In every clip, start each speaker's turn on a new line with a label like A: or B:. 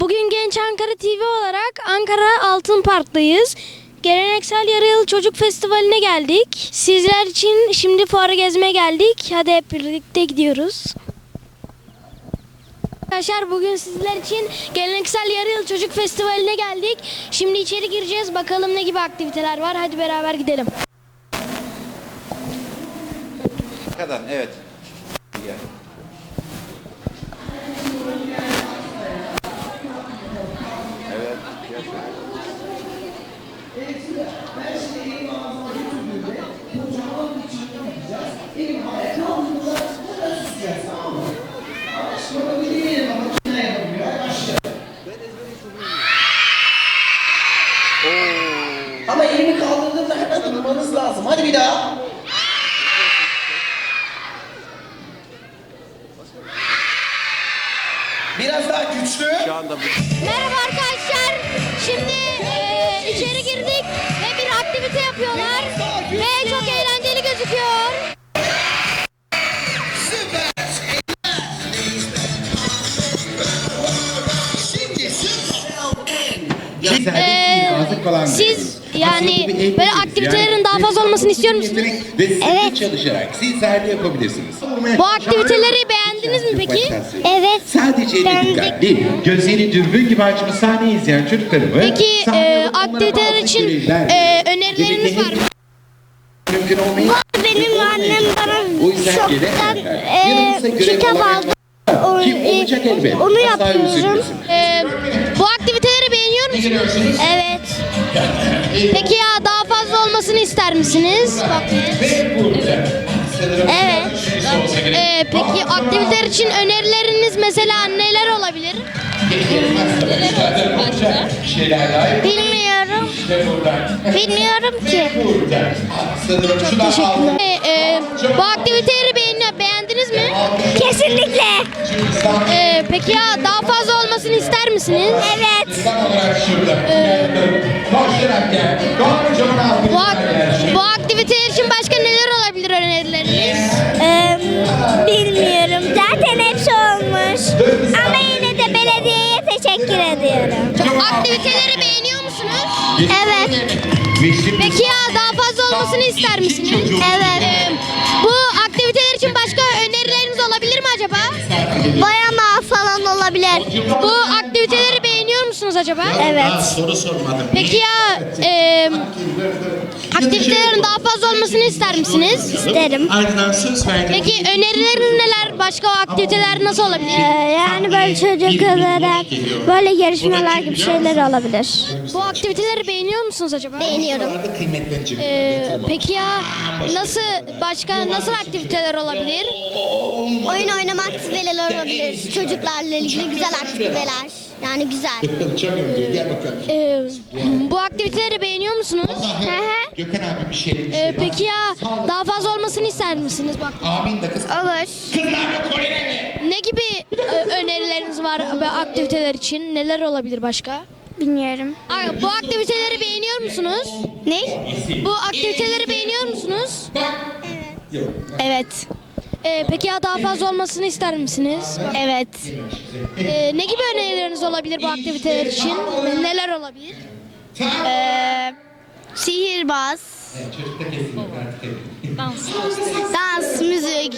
A: Bugün Genç Ankara TV olarak Ankara Altın Park'tayız. Geleneksel Yarı Yıl Çocuk Festivali'ne geldik. Sizler için şimdi fuarı gezmeye geldik. Hadi hep birlikte gidiyoruz. Arkadaşlar bugün sizler için Geleneksel Yarı Yıl Çocuk Festivali'ne geldik. Şimdi içeri gireceğiz. Bakalım ne gibi aktiviteler var. Hadi beraber gidelim.
B: Kadar, evet. Gel. Evet.
C: Ama elini kaldırdığında hemen durmanız lazım. Hadi bir daha. Biraz daha güçlü.
A: Merhaba arkadaşlar. Şimdi içeri girdik ve bir aktivite yapıyorlar. Ve çok eğlenceli gözüküyor. Siz yani böyle aktivitelerin daha fazla olmasını istiyor musunuz?
B: Evet. Çalışarak sizler de yapabilirsiniz.
A: Bu aktiviteleri beğendiniz mi peki?
D: Evet.
B: Sadece elle dikkatli, gözleri dürbün gibi açmış sahneyi izleyen çocuklarımı...
A: Peki
B: sahneye
A: aktiviteler
B: onlara
A: için
B: bazı
A: önerileriniz var mı?
B: Mümkün olmayı...
D: Benim annem bana
B: O yüzden
D: şoktan
B: yanımızda görev
D: kitap
B: olarak-
D: aldı.
B: Ki olacak elbet.
D: Onu
B: Asla
D: yapıyorum.
B: üzülmesin.
A: Bu aktiviteleri beğeniyor musunuz?
D: Evet.
A: Peki ya daha fazla olmasını ister misiniz?
D: Evet.
A: Peki aktiviteler için önerileriniz mesela neler olabilir?
D: Bilmiyorum. Bilmiyorum ki.
A: Teşekkürler. Bu aktiviteleri beğendiniz mi?
D: Kesinlikle.
A: Peki ya daha fazla olmasını ister misiniz?
D: Evet.
A: Bu aktiviteler için başka neler olabilir önerileriniz?
D: Bilmiyorum. Zaten hepsi olmuş. Ama yine de belediyeye teşekkür ediyorum.
A: Aktiviteleri beğeniyor musunuz?
D: Evet.
A: Peki ya daha fazla olmasını ister misiniz?
D: Evet.
A: Bu aktiviteler için başka önerileriniz olabilir mi acaba?
D: Boyama falan olabilir.
A: Bu aktiviteleri beğeniyor musunuz acaba?
D: Evet.
B: Soru sormadım.
A: Peki ya aktivitelerin daha fazla olmasını ister misiniz?
D: İsterim.
B: Ardından söz verdim.
A: Peki önerileriniz neler? Başka aktiviteler nasıl olabilir?
D: Yani böyle çocuklara böyle yarışmalar gibi şeyler olabilir.
A: Bu aktiviteleri beğeniyor musunuz acaba?
D: Beğeniyorum.
B: Kıymetlenecek.
A: Peki ya nasıl aktiviteler olabilir?
D: Oyun oynama aktiviteler olabilir. Çocuklarla ilgili güzel aktiviteler. Yani güzel.
B: Çok önemli. Gel bakalım.
A: Bu aktiviteleri beğeniyor musunuz?
B: Gökhan abi bir şey.
A: Peki ya daha fazla olmasını ister misiniz? Bak,
B: Abin de kız.
D: Olur.
A: ne gibi önerileriniz var bu aktiviteler için? Neler olabilir başka?
D: Bilmiyorum.
A: Bu aktiviteleri beğeniyor musunuz?
D: Ne?
A: Bu aktiviteleri beğeniyor musunuz?
D: Evet.
A: Peki ya daha fazla olmasını ister misiniz?
D: Evet.
A: Ne gibi önerileriniz olabilir bu aktiviteler için? Neler olabilir?
D: Sihirbaz. Dans, müzik,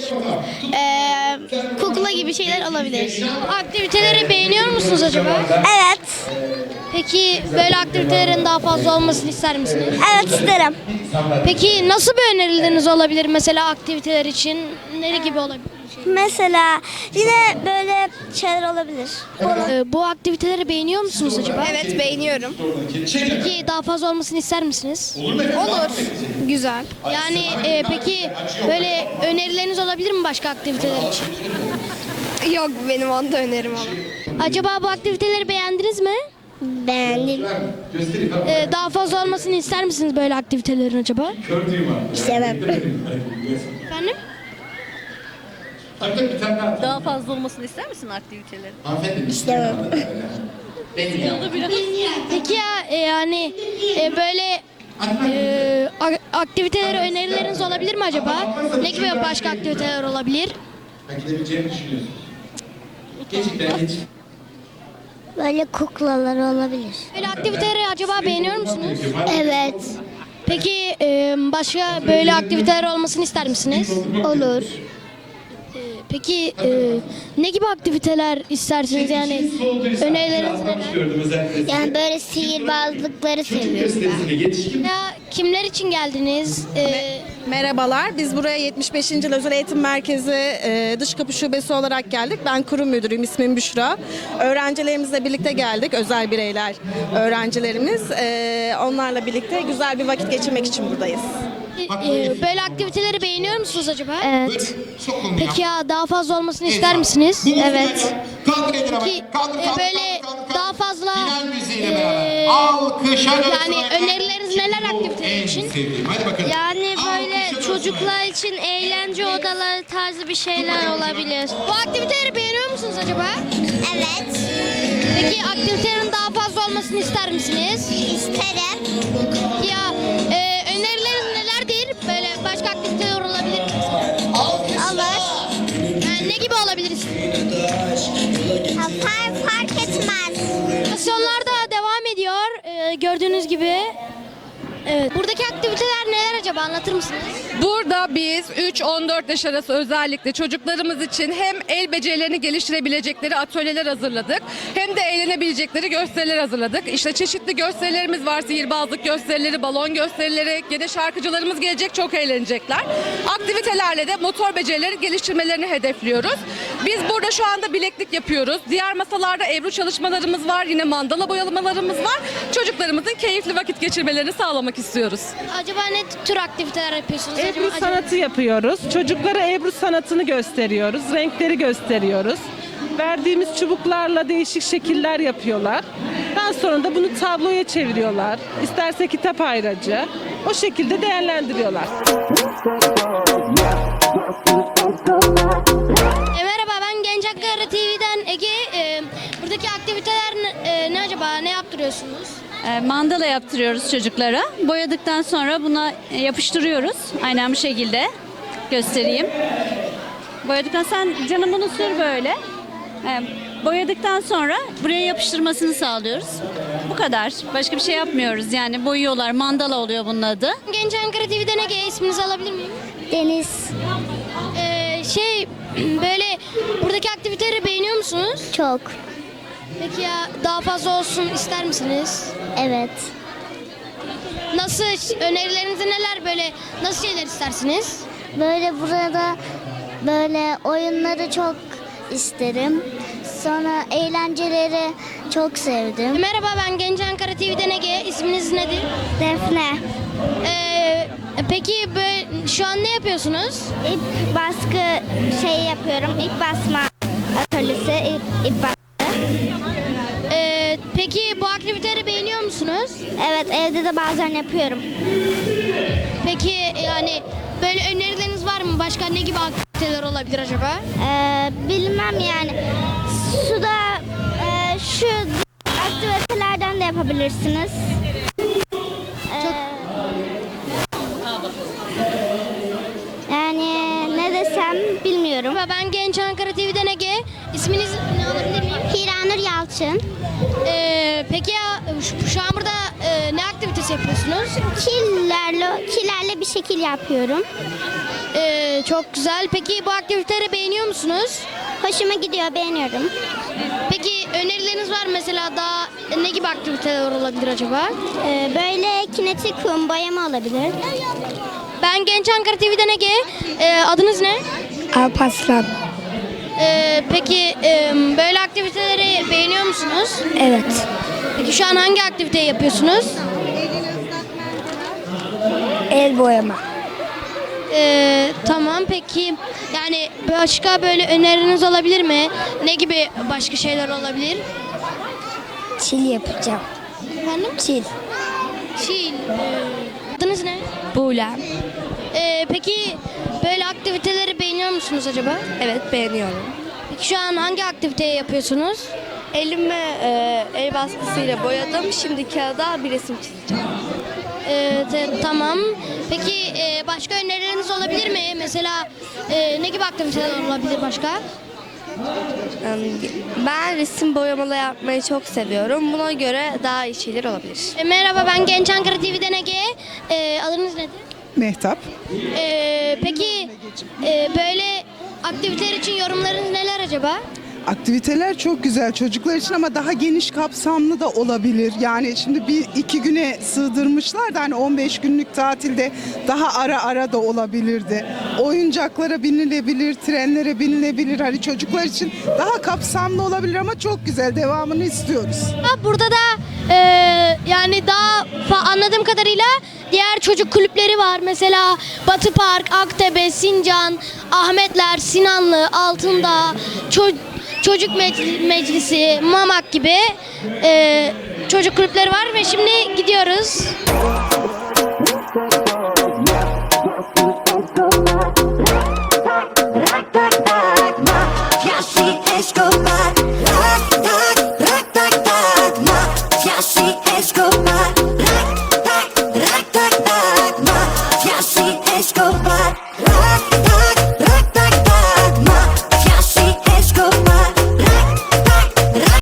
D: kukla gibi şeyler olabilir.
A: Bu aktiviteleri beğeniyor musunuz acaba?
D: Evet.
A: Peki böyle aktivitelerin daha fazla olmasını ister misiniz?
D: Evet isterim.
A: Peki nasıl bir önerileriniz olabilir mesela aktiviteler için? Ne gibi olabilir?
D: Mesela yine böyle şeyler olabilir.
A: Bu aktiviteleri beğeniyor musunuz acaba?
E: Evet beğeniyorum.
A: Peki daha fazla olmasını ister misiniz?
E: Olur. Güzel.
A: Yani peki böyle önerileriniz olabilir mi başka aktiviteler için?
E: Yok benim onda önerim ama.
A: Acaba bu aktiviteleri beğendiniz mi?
D: Beğendim.
A: Daha fazla olmasını ister misiniz böyle aktivitelerin acaba?
D: İstemem.
A: Efendim?
F: Daha fazla olmasını ister misin aktivitelerin?
D: İstemem.
A: Peki ya yani böyle aktivitelere önerileriniz olabilir mi acaba? Ne gibi başka aktiviteler olabilir?
B: Gidebileceğini düşünüyorsun. Gerçekten geç.
D: Böyle kuklalar olabilir.
A: Böyle aktiviteleri acaba beğeniyor musunuz?
D: Evet.
A: Peki başka böyle aktiviteler olmasını ister misiniz?
D: Olur.
A: Peki ne gibi aktiviteler istersiniz yani önerileriniz neler?
D: Yani böyle sihirbazlıkları seviyorum ben.
A: Ya kimler için geldiniz?
G: Merhabalar, biz buraya 75. Yıl Özel Eğitim Merkezi Dış Kapı Şubesi olarak geldik. Ben kurum müdürüyüm, ismim Büşra. Öğrencilerimizle birlikte geldik, özel bireyler öğrencilerimiz. Onlarla birlikte güzel bir vakit geçirmek için buradayız.
A: Böyle aktiviteleri beğeniyor musunuz acaba?
D: Evet.
A: Peki ya daha fazla olmasını ister misiniz?
D: Evet.
A: Peki böyle daha fazla
B: Alkışa
A: yani önerileriniz neler aktiviteler için?
B: Hadi bakalım.
D: Yani böyle
B: Alkışa
D: çocuklar için eğlence odaları tarzı bir şeyler olabilir.
A: Bu aktiviteleri beğeniyor musunuz acaba?
D: Evet.
A: Peki aktivitelerin daha fazla olmasını ister misiniz?
D: İsterim.
A: Ya önerileriniz nelerdir? Böyle başka aktiviteler olabilir mi?
D: Olur.
A: Yani ne gibi olabilir?
D: Fark etmez.
A: Aksiyonlar da devam ediyor. Gördüğünüz gibi. Evet. Buradaki aktiviteler neler acaba? Anlatır mısınız?
H: Burada biz 3-14 yaş arası özellikle çocuklarımız için hem el becerilerini geliştirebilecekleri atölyeler hazırladık hem de eğlenebilecekleri gösteriler hazırladık. İşte çeşitli gösterilerimiz var. Sihirbazlık gösterileri, balon gösterileri, gene şarkıcılarımız gelecek, çok eğlenecekler. Aktivitelerle de motor becerileri geliştirmelerini hedefliyoruz. Biz burada şu anda bileklik yapıyoruz. Diğer masalarda ebru çalışmalarımız var. Yine mandala boyamalarımız var. Çocuklarımızın keyifli vakit geçirmelerini sağlamak istiyoruz.
A: Acaba ne tür aktiviteler yapıyorsunuz?
I: Ebru
A: acaba?
I: sanatı yapıyoruz. Çocuklara Ebru sanatını gösteriyoruz. Renkleri gösteriyoruz. Verdiğimiz çubuklarla değişik şekiller yapıyorlar. Daha sonra da bunu tabloya çeviriyorlar. İsterse kitap ayracı. O şekilde değerlendiriyorlar.
A: Merhaba, ben Genç Ankara TV'den Ege. Buradaki aktiviteler ne acaba? Ne yaptırıyorsunuz?
F: Mandala yaptırıyoruz çocuklara. Boyadıktan sonra buna yapıştırıyoruz. Aynen bu şekilde göstereyim. Boyadıktan sen canım bunu sür böyle. Boyadıktan sonra buraya yapıştırmasını sağlıyoruz. Bu kadar. Başka bir şey yapmıyoruz. Yani boyuyorlar. Mandala oluyor bunun adı.
A: Genç Ankara TV'den Ege, isminizi alabilir miyim?
D: Deniz.
A: Böyle buradaki aktiviteleri beğeniyor musunuz?
D: Çok.
A: Peki ya daha fazla olsun ister misiniz?
D: Evet.
A: Nasıl, önerileriniz neler, böyle nasıl şeyler istersiniz?
D: Böyle burada böyle oyunları çok isterim. Sonra eğlenceleri çok sevdim.
A: Merhaba, ben Genç Ankara TV'den Ege, isminiz nedir?
D: Defne.
A: Peki böyle, şu an ne yapıyorsunuz?
D: İp baskı şey yapıyorum. İp basma atölyesi. İp baskı.
A: Peki bu aktiviteleri beğeniyor musunuz?
D: Evet, evde de bazen yapıyorum.
A: Peki yani böyle önerileriniz var mı? Başka ne gibi aktiviteler olabilir acaba?
D: Bilmem yani. Suda şu aktivitelerden de yapabilirsiniz. Yani ne desem bilmiyorum.
A: Ben Genç Ankara TV'den Ege. İsminiz ne alabilir miyim?
D: Hiranur Yalçın.
A: Peki ya şu an burada ne aktivitesi yapıyorsunuz?
D: Killerle bir şekil yapıyorum.
A: Çok güzel. Peki bu aktiviteleri beğeniyor musunuz?
D: Hoşuma gidiyor, beğeniyorum.
A: Peki önerileriniz var mı? Mesela daha ne gibi aktiviteler olabilir acaba?
D: Böyle kinetik kum boyama olabilir.
A: Ben Genç Ankara TV'den Ege. Adınız ne?
E: Alparslan.
A: Peki böyle aktiviteleri beğeniyor musunuz?
E: Evet.
A: Peki şu an hangi aktiviteyi yapıyorsunuz?
E: El boyama.
A: Tamam, peki yani başka böyle öneriniz olabilir mi? Ne gibi başka şeyler olabilir?
E: Çil yapacağım.
A: Efendim?
E: Çil.
A: Çil. Adınız ne?
E: Buğlem.
A: Peki böyle aktiviteleri beğeniyor musunuz acaba?
E: Evet, beğeniyorum.
A: Peki şu an hangi aktiviteyi yapıyorsunuz?
E: Elime el baskısıyla boyadım. Şimdi kağıda bir resim çizeceğim.
A: Tamam. Peki başka önerileriniz olabilir mi? Mesela ne gibi aktiviteler olabilir başka?
E: Ben resim boyamalı yapmayı çok seviyorum. Buna göre daha iyi şeyler olabilir.
A: Merhaba, ben Genç Ankara TV'den Ege. Adınız nedir?
J: Mehtap.
A: Peki böyle aktiviteler için yorumlarınız neler acaba?
J: Aktiviteler çok güzel çocuklar için ama daha geniş kapsamlı da olabilir. Yani şimdi bir iki güne sığdırmışlar da hani 15 günlük tatilde daha ara ara da olabilirdi. Oyuncaklara binilebilir, trenlere binilebilir. Hani çocuklar için daha kapsamlı olabilir ama çok güzel. Devamını istiyoruz.
A: Burada da yani daha anladığım kadarıyla diğer çocuk kulüpleri var. Mesela Batı Park, Aktepe, Sincan, Ahmetler, Sinanlı, Altındağ, Çocuk Meclisi, Mamak gibi çocuk kulüpleri var ve şimdi gidiyoruz.
D: Escobar,